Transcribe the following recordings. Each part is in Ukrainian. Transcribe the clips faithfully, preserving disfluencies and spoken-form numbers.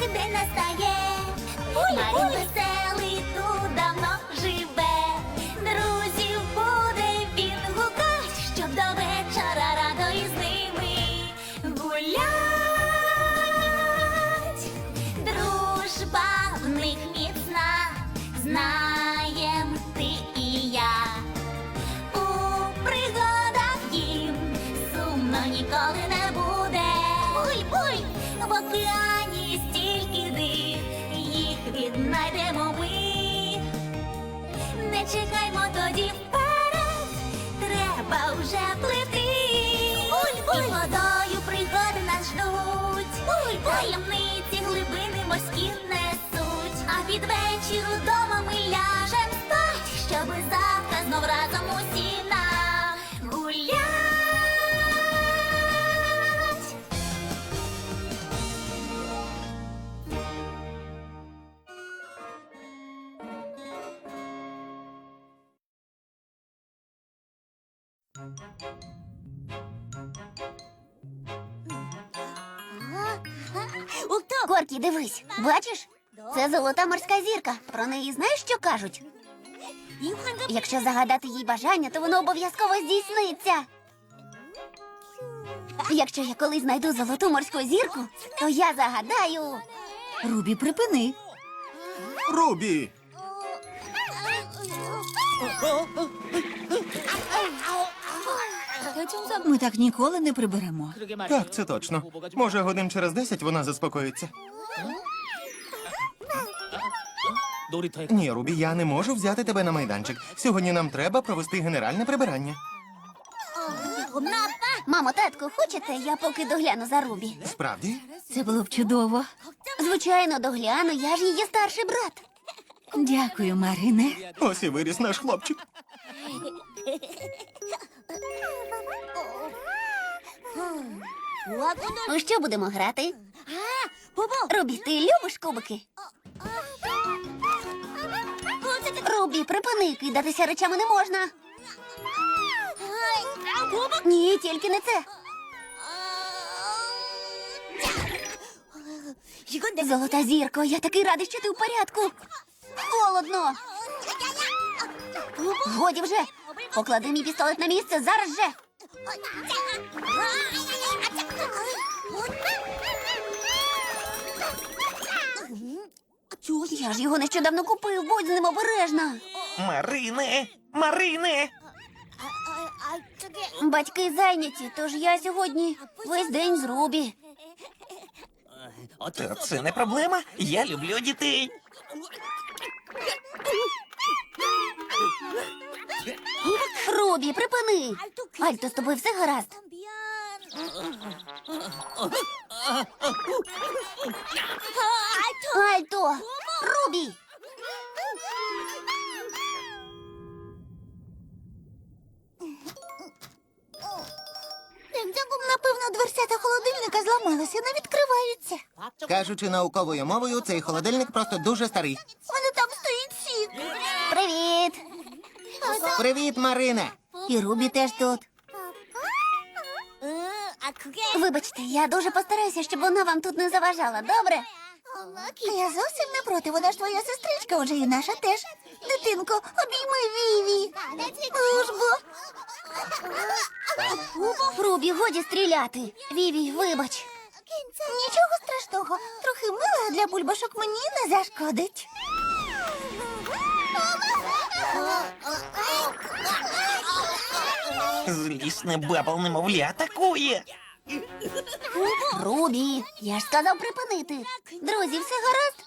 день настає. Марін веселий тут давно живе. Друзів буде він гукать, щоб до вечора радо із ними гулять. Дружба в них міцна, знаєм ти і я. У пригадах їм сумно ніколи не буде. Буй-буй, в океані стільки див, їх віднайдемо ми. Не чекаймо тоді вперед, треба вже плити. Буль-буль, і водою пригоди нас ждуть. Буль-буль, таємниці глибини морські несуть. А під вечір удома ми ляжем спать, щоби завтра знов разом усі нагулять. Коркі, дивись, бачиш? Це золота морська зірка. Про неї знаєш, що кажуть? Якщо загадати їй бажання, то воно обов'язково здійсниться. Якщо я колись знайду золоту морську зірку, то я загадаю. Рубі, припини. Рубі! Ми так ніколи не приберемо. Так, це точно. Може, годин через десять вона заспокоїться. Ні, Рубі, я не можу взяти тебе на майданчик. Сьогодні нам треба провести генеральне прибирання. Мамо, татку, хочете, я поки догляну за Рубі? Справді? Це було б чудово. Звичайно, догляну, я ж її старший брат. Дякую, Марине. Ось і виріс наш хлопчик. У що будемо грати? Рубі, ти любиш кубики? Рубі, припини, кидатися речами не можна. Ні, тільки не це. Золота зірко, я такий радий, що ти в порядку. Холодно. Годі вже. Поклади мій пістолет на місце зараз же. Я ж його нещодавно купив, будь з ним обережна. Марине! Марине! Батьки зайняті, тож я сьогодні весь день з Рубі. Та це не проблема. Я люблю дітей. Рубі, припини. Альто, з тобою все гаразд? Альто! Рубі! Напевно, дверцята холодильника зламалися, не відкриваються. Кажучи науковою мовою, цей холодильник просто дуже старий. Вони там стоїть сік. Привіт! Привіт, Марине! І Рубі теж тут. Вибачте, я дуже постараюся, щоб вона вам тут не заважала, добре? Я зовсім не проти, вона ж твоя сестричка, отже і наша теж. Дитинко, обійми Віві. Ну ж бо. Рубі, годі стріляти. Віві, вибач. Нічого страшного. Трохи мила для бульбашок мені не зашкодить. Злісне бабл немовля атакує. Рубі, я ж сказав припинити. Друзі, все гаразд?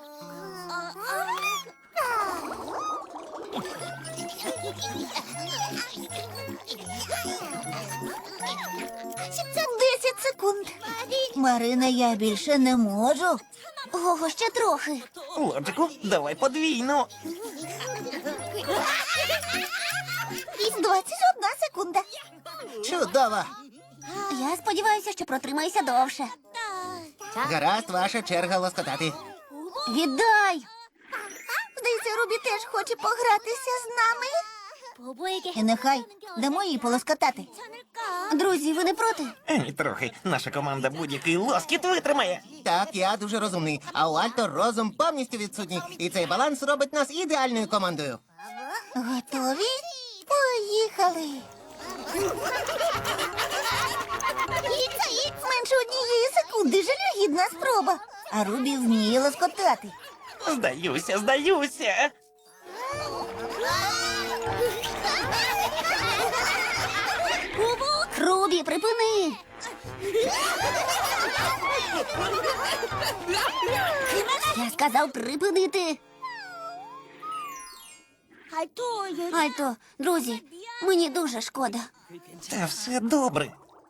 Десять секунд. Марина, я більше не можу. Ого, ще трохи. Лоджику, давай подвійну. Двадцять одна секунда. Чудово! Я сподіваюся, що протримаюся довше. Гаразд, ваша черга лоскотати. Віддай! Здається, Рубі теж хоче погратися з нами. І нехай дамо їй полоскотати. Друзі, ви не проти? Ані трохи. Наша команда будь-який лоскіт витримає. Так, я дуже розумний, а у Альто розум повністю відсутній. І цей баланс робить нас ідеальною командою. Готові? Поїхали. Менше однієї секунди, жалюгідна спроба. А Рубі вміє лоскотати. Здаюся, здаюся. Рубі, припини. Я сказав припинити. Альто, друзі, мені дуже шкода. Та все добре.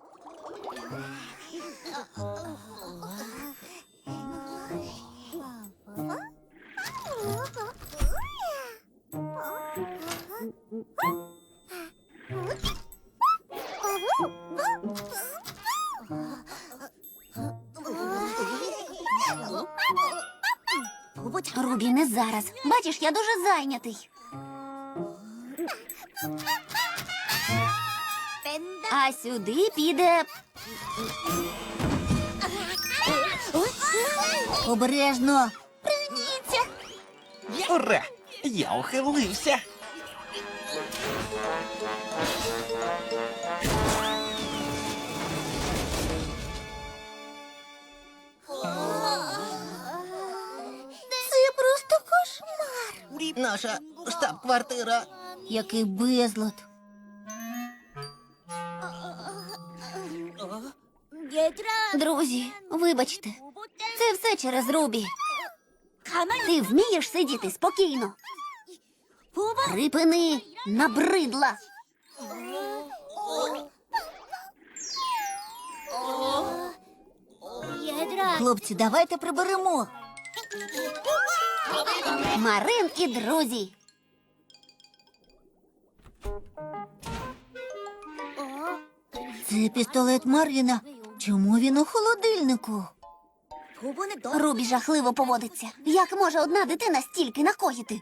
Рубі, не зараз. Бачиш, я дуже зайнятий. А сюди піде. Обережно. Пригніться. Ура! Я ухилився. Це просто кошмар. Наша штаб-квартира. Який безлад. Друзі, вибачте, це все через Рубі. Ти вмієш сидіти спокійно? Припини, набридла. Хлопці, давайте приберемо. Марин і друзі. Це пістолет Марвіна. Чому він у холодильнику? Рубі жахливо поводиться. Як може одна дитина стільки накоїти?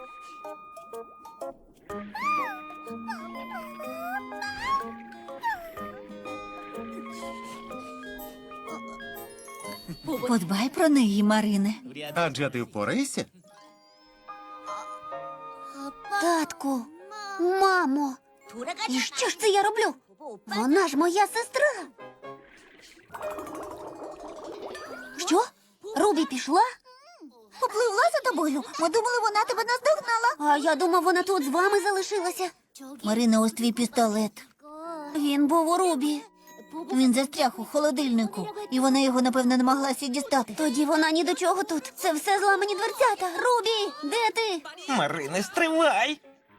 Подбай про неї, Марине. Адже ти впораєшся? Татку, мамо, і що ж це я роблю? Вона ж моя сестра. Що? Рубі пішла? Попливла за тобою. Ми думали, вона тебе наздогнала. А я думав, вона тут з вами залишилася. Марина, ось твій пістолет. Він був у Рубі. Він застряг у холодильнику, і вона його, напевно, намагалася дістати. Тоді вона ні до чого тут. Це все зламані дверцята. Рубі, де ти? Марине, стривай.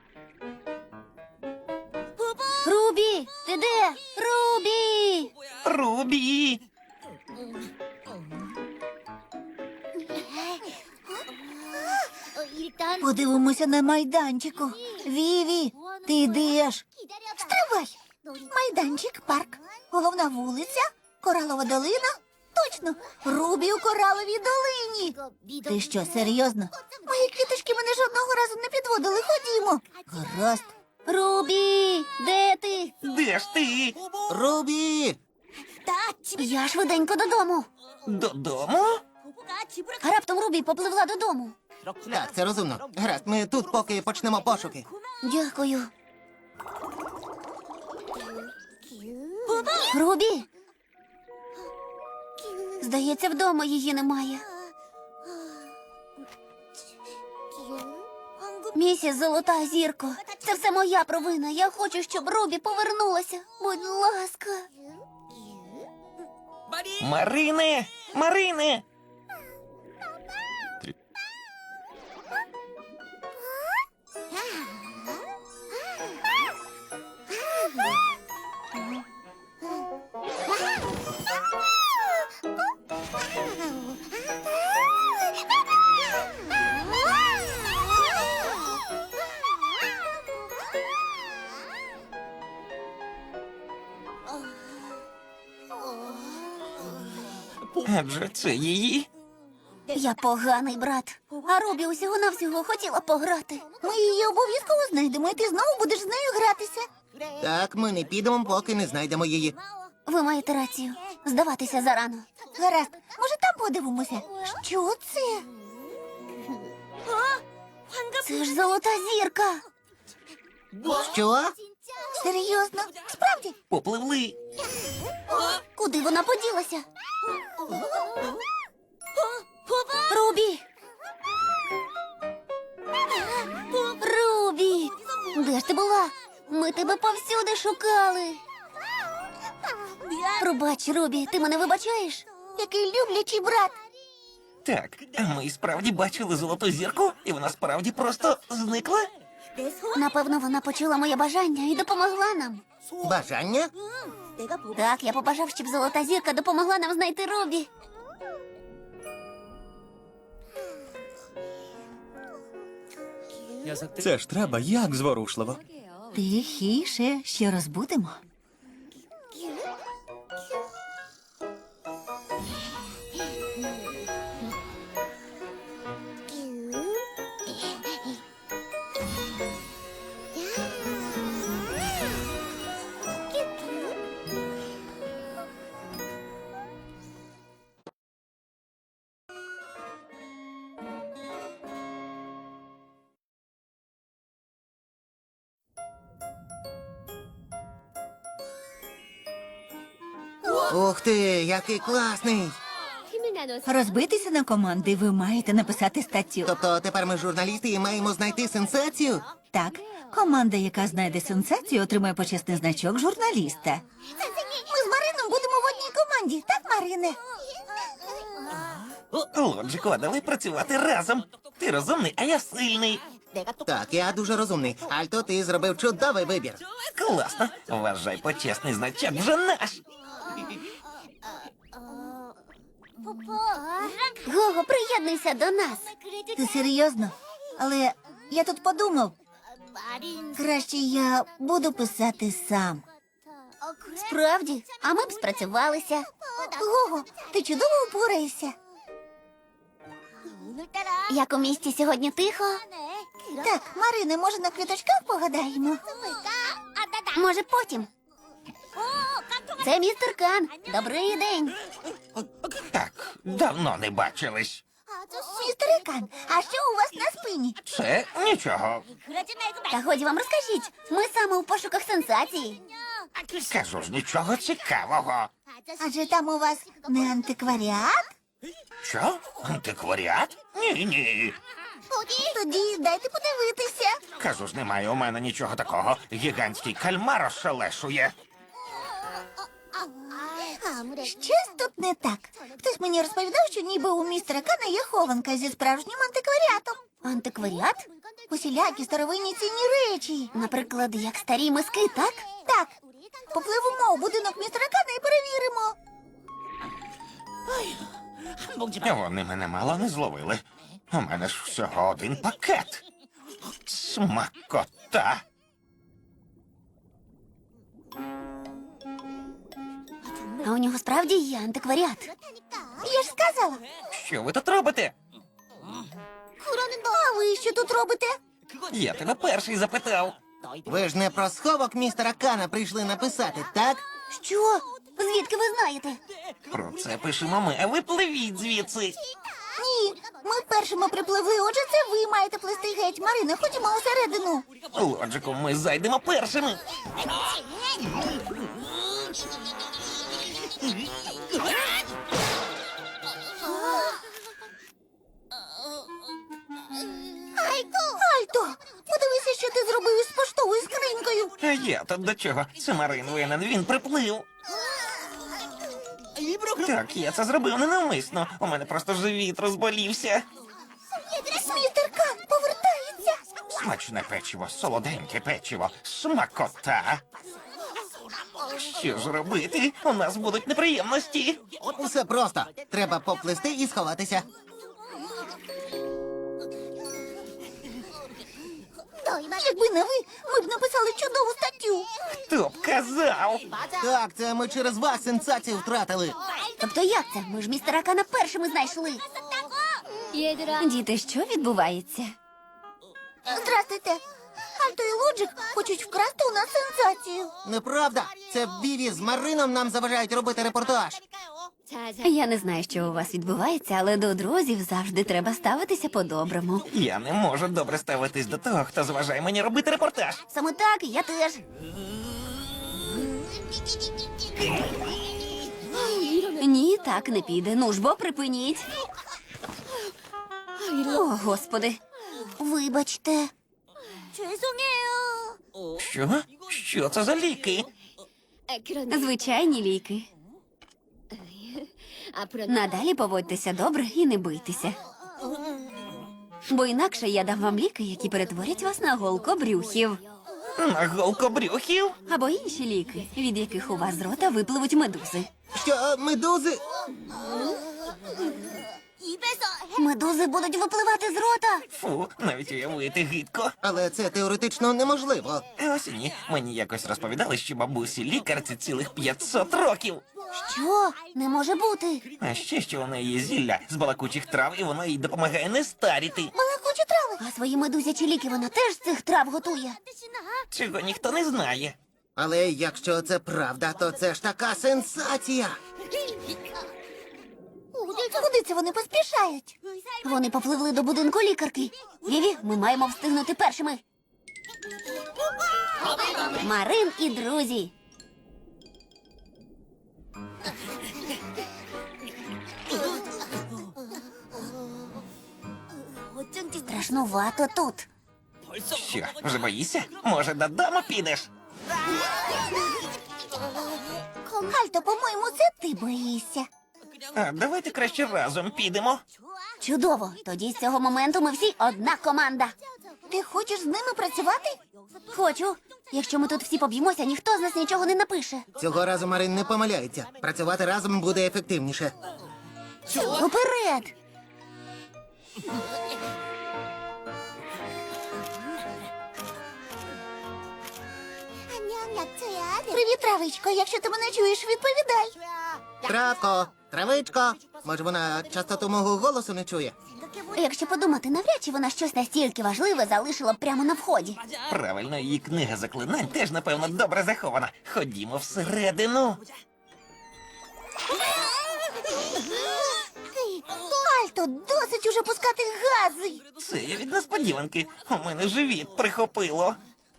Рубі, ти де? Рубі! Рубі. Подивимося на майданчику. Віві, ти де ж? Стривай! Майданчик, парк, головна вулиця, коралова долина. Точно, Рубі у кораловій долині. Ти що, серйозно? Мої квіточки мене жодного разу не підводили. Ходімо. Гаразд. Рубі, де ти? Де ж ти? Рубі! Я швиденько додому. Додому? А раптом Рубі попливла додому. Так, це розумно. Гаразд, ми тут поки почнемо пошуки. Дякую. Рубі! Здається, вдома її немає. Місіс Золота зірко, це все моя провина. Я хочу, щоб Рубі повернулася. Будь ласка. Марине! Марине! Адже це її. Я поганий брат. А Рубі усього-навсього хотіла пограти. Ми її обов'язково знайдемо, і ти знову будеш з нею гратися. Так, ми не підемо, поки не знайдемо її. Ви маєте рацію. Здаватися зарано. Гаразд, може там подивимося? Що це? Це ж золота зірка. Що? Серйозно? Справді? Попливли. Куди вона поділася? Рубі! Рубі! Де ж ти була? Ми тебе повсюди шукали. Пробач, Рубі, ти мене вибачаєш? Який люблячий брат. Так, а ми і справді бачили золоту зірку, і вона справді просто зникла? Напевно, вона почула моє бажання і допомогла нам. Бажання? Так, я побажав, щоб золота зірка допомогла нам знайти Рубі. Це ж треба, як зворушливо. Тихіше, ще розбудемо. Ух ти, який класний! Розбитися на команди ви маєте написати статтю. Тобто тепер ми журналісти і маємо знайти сенсацію? Так, команда, яка знайде сенсацію, отримає почесний значок журналіста. Ми з Марином будемо в одній команді, так, Марине? Лоджику, а давай працювати разом. Ти розумний, а я сильний. Так, я дуже розумний. Альто, ти зробив чудовий вибір. Класно. Вважай, почесний значок вже наш. Гого, приєднуйся до нас. Ти серйозно? Але я тут подумав, краще я буду писати сам. Справді? А ми б спрацювалися. Гого, ти чудово упораєшся. Як у місті сьогодні тихо? Так, Марине, може на квіточках погадаємо? Може потім. Це містер Кан. Добрий день. Так, давно не бачились. Містер Кан, а що у вас на спині? Це нічого. Та годі вам розкажіть. Ми саме у пошуках сенсації. Кажу ж, нічого цікавого. Адже там у вас не антикваріат? Що? Антикваріат? Ні, ні. Тоді дайте подивитися. Кажу ж, немає у мене нічого такого. Гігантський кальмар ошелешує. Щось тут не так. Хтось мені розповідав, що ніби у містера Кана є хованка зі справжнім антикваріатом. Антикваріат? Усілякі старовинні цінні речі. Наприклад, як старі миски, так? Так. Попливемо у будинок містера Кана і перевіримо. Вони мене мало не зловили. У мене ж всього один пакет. Смакота. А у нього справді є антикваріат. Я ж сказала. Що ви тут робите? А ви що тут робите? Я тебе перший запитав. Ви ж не про сховок містера Кана прийшли написати, так? Що? Звідки ви знаєте? Про це пишемо ми, а ви пливіть звідси. Ні, ми першими припливли, отже, це ви маєте плисти геть. Марина, ходімо усередину. Лоджику, ми зайдемо першими. Альто, подивися, що ти зробив із поштовою скринькою. А я тут до чого? Це Марин винен, він приплив. Так, я це зробив ненавмисно. У мене просто живіт розболівся. Містер Кан повертається. Смачне печиво, солоденьке печиво, смакота. Що ж робити? У нас будуть неприємності. Все просто. Треба поплисти і сховатися. Якби не ви, ми б написали чудову статтю. Хто б казав? Так, це ми через вас сенсацію втратили. Тобто як це? Ми ж містера Кана першими знайшли. Діти, що відбувається? Здрастуйте. Альто і Лоджик хочуть вкрасти у нас сенсацію. Неправда. Це Віві з Марином нам заважають робити репортаж. Я не знаю, що у вас відбувається, але до друзів завжди треба ставитися по-доброму. Я не можу добре ставитись до того, хто заважає мені робити репортаж. Саме так, я теж. Ні, так не піде. Ну ж бо припиніть. О, господи. Вибачте. Що? Що це за ліки? Звичайні ліки. Надалі поводьтеся добре і не бийтеся. Бо інакше я дам вам ліки, які перетворять вас на голкобрюхів. На голкобрюхів? Або інші ліки, від яких у вас з рота випливуть медузи. Що, медузи? Медузи будуть випливати з рота. Фу, навіть уявити гидко. Але це теоретично неможливо. Ось і ні. Мені якось розповідали, що бабусі лікарці цілих п'ятсот років. Що? Не може бути. А ще що у неї є зілля з балакучих трав, і воно їй допомагає не старіти. Балакучі трави. А свої медузячі ліки вона теж з цих трав готує. Чого ніхто не знає. Але якщо це правда, то це ж така сенсація. Куди це вони поспішають? Вони попливли до будинку лікарки. Віві, ми маємо встигнути першими. Марин і друзі. Страшнувато тут. Що, вже боїшся? Може, додому підеш? Альто, по-моєму, це ти боїшся. А давайте краще разом підемо. Чудово. Тоді з цього моменту ми всі одна команда. Ти хочеш з ними працювати? Хочу. Якщо ми тут всі поб'ємося, ніхто з нас нічого не напише. Цього разу Марин не помиляється. Працювати разом буде ефективніше. Уперед! Привіт, травичко. Якщо ти мене чуєш, відповідай. Травко, травичко. Може, вона частоту мого голосу не чує? Якщо подумати, навряд чи вона щось настільки важливе залишила б прямо на вході. Правильно, її книга заклинань теж, напевно, добре захована. Ходімо всередину. Альто, досить уже пускати гази. Це я від несподіванки. У мене живіт прихопило.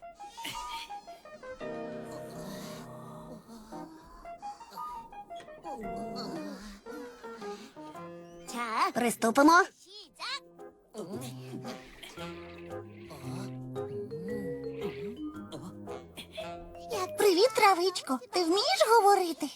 Приступимо. Привіт, травичко. Ти вмієш говорити?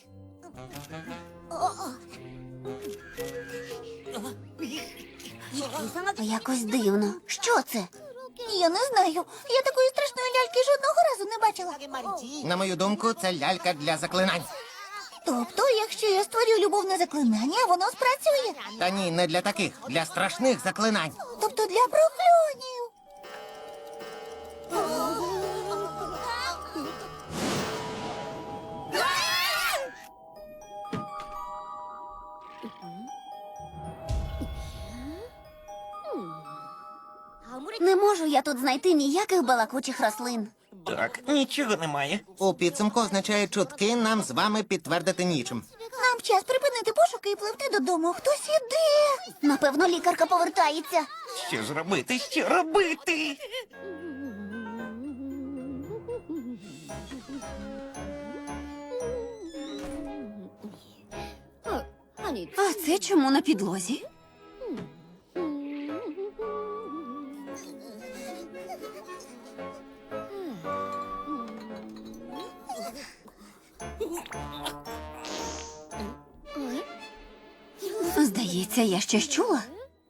Якось дивно. Що це? Я не знаю. Я такої страшної ляльки жодного разу не бачила. На мою думку, це лялька для заклинань. Тобто, якщо я створю любовне заклинання, воно спрацює. Та ні, не для таких, для страшних заклинань. Тобто для прокльонів. Не можу я тут знайти ніяких балакучих рослин. Так, нічого немає. У підсумку означає чутки нам з вами підтвердити нічим. Нам час припинити пошуки і пливти додому. Хтось іде. Напевно, лікарка повертається. Що ж робити? Що робити? А це чому на підлозі? Здається, я щось чула.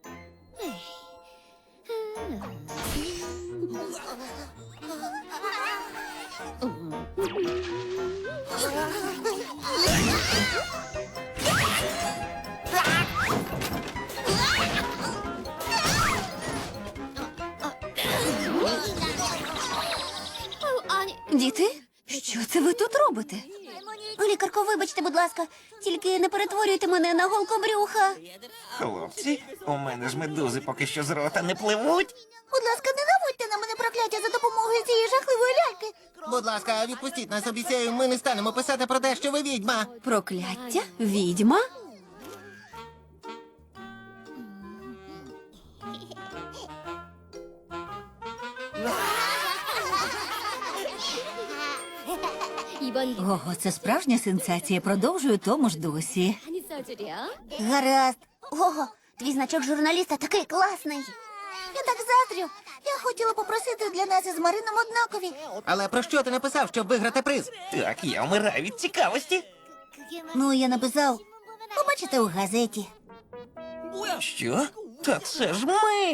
Діти, що це ви тут робите? Лікарко, вибачте, будь ласка, тільки не перетворюйте мене на голкобрюха. Хлопці, у мене ж медузи поки що з рота не пливуть. Будь ласка, не наводьте на мене прокляття за допомогою цієї жахливої ляльки. Будь ласка, відпустіть нас, обіцяю, ми не станемо писати про те, що ви відьма. Прокляття? Відьма? Ого, це справжня сенсація. Продовжую тому ж досі. Гаразд. Ого, твій значок журналіста такий класний. Я так заздрю. Я хотіла попросити для нас із Марином однакові. Але про що ти написав, щоб виграти приз? Так, я вмираю від цікавості. Ну, я написав. Побачите у газеті. Що? Та це ж ми.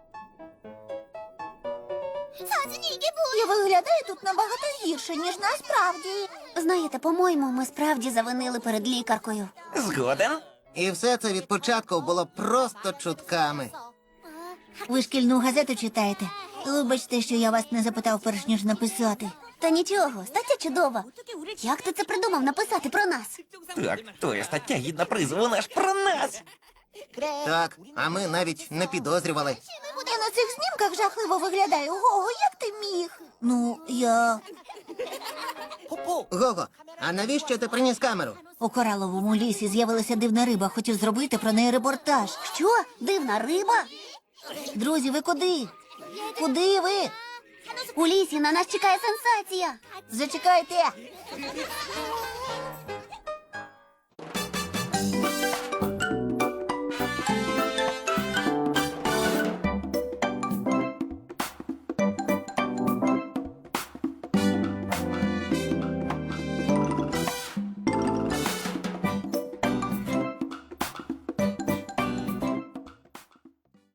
Я виглядаю тут набагато гірше, ніж насправді. Знаєте, по-моєму, ми справді завинили перед лікаркою. Згоден. І все це від початку було просто чутками. Ви шкільну газету читаєте? Вибачте, що я вас не запитав перш ніж написати. Та нічого, стаття чудова. Як ти це придумав написати про нас? Так, твоя стаття гідна призу, вона ж про нас. Так, а ми навіть не підозрювали. Я на цих знімках жахливо виглядаю. Ого, як ти міг? Ну, я Гого, а навіщо ти приніс камеру? у кораловому лісі з'явилася дивна риба, хотів зробити про неї репортаж. Що? Дивна риба? Друзі, ви куди? Куди ви? У лісі на нас чекає сенсація. Зачекайте.